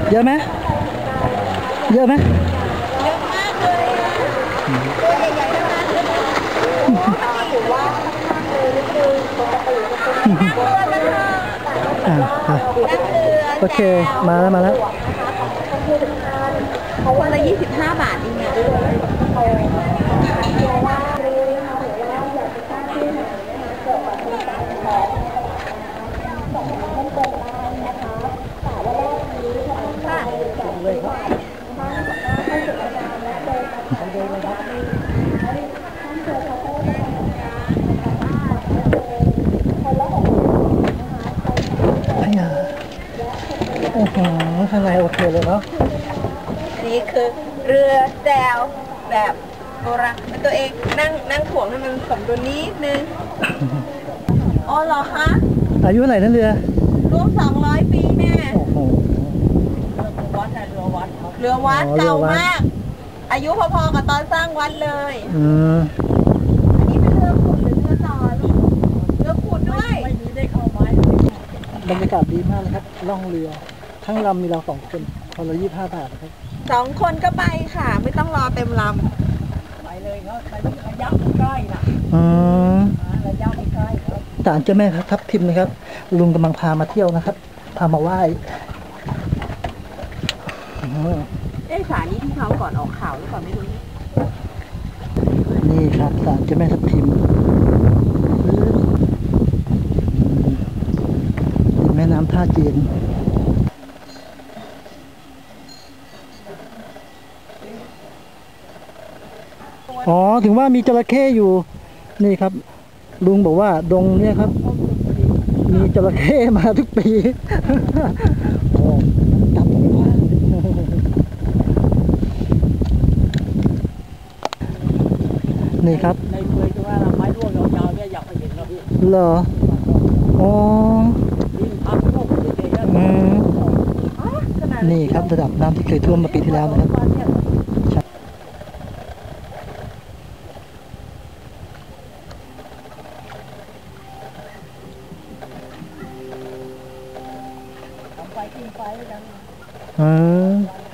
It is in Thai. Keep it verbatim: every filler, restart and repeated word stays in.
เยอะไหมเยอะไหมเยอะมากเลยตัวใหญ่ๆทั้งนั้นเลยถือว่าเลยนิดนึงปกตินั่งเรือกันเถอะอ่านั่งเรือโอเคมาแล้วมาแล้วคนละยี่สิบห้าบาทเองเนี่ยโอ้โหข้างในโอเคเลยเนาะอันนี้คือเรือแจวแบบโบราณเป็นตัวเองนั่งนั่งถ่วงให้มันสมดุลนิดนึงอ๋อเหรอคะอายุเท่าไหร่นั่นเรือรวมสองร้อยปีแน่โอ้โหวัดเรือวัดเรือวัดเก่ามากอายุพอๆกับตอนสร้างวัดเลยอืมอันนี้เป็นเรือขุดหรือเรือต่อลูกเรือขุดด้วยไม่มีได้เข้าไม้บรรยากาศดีมากเลยครับล่องเรือทั้งลำมีเราสองคนคนละยี่สิบห้าบาทนะครับสองคนก็ไปค่ะไม่ต้องรอเต็มลำไปเลยครับไประยะใกล้นะอืมระยะใกล้ครับศาลเจ้าแม่ทับทิมนะครับลุงกำลังพามาเที่ยวนะครับพามาไหว้เอ๊ะศาลนี้ที่เขาก่อนออกข่าวหรือเปล่าไม่รู้นี่ครับศาลเจ้าแม่ทับทิมติดแม่น้ำท่าจีนอ๋อถึงว่ามีจระเข้อยู่นี่ครับลุงบอกว่าดงเนี่ยครับมีจระเข้มาทุกปีโอ้จับตรงนี้ว่านี่ครับในเมืองที่ว่าไม้ร่วงยาวๆเนี่ยอยากไปเห็นนะพี่เหรออ๋อนี่ครับระดับน้ำที่เคยท่วมมาปีที่แล้วนะครับไปกินไปกันอืม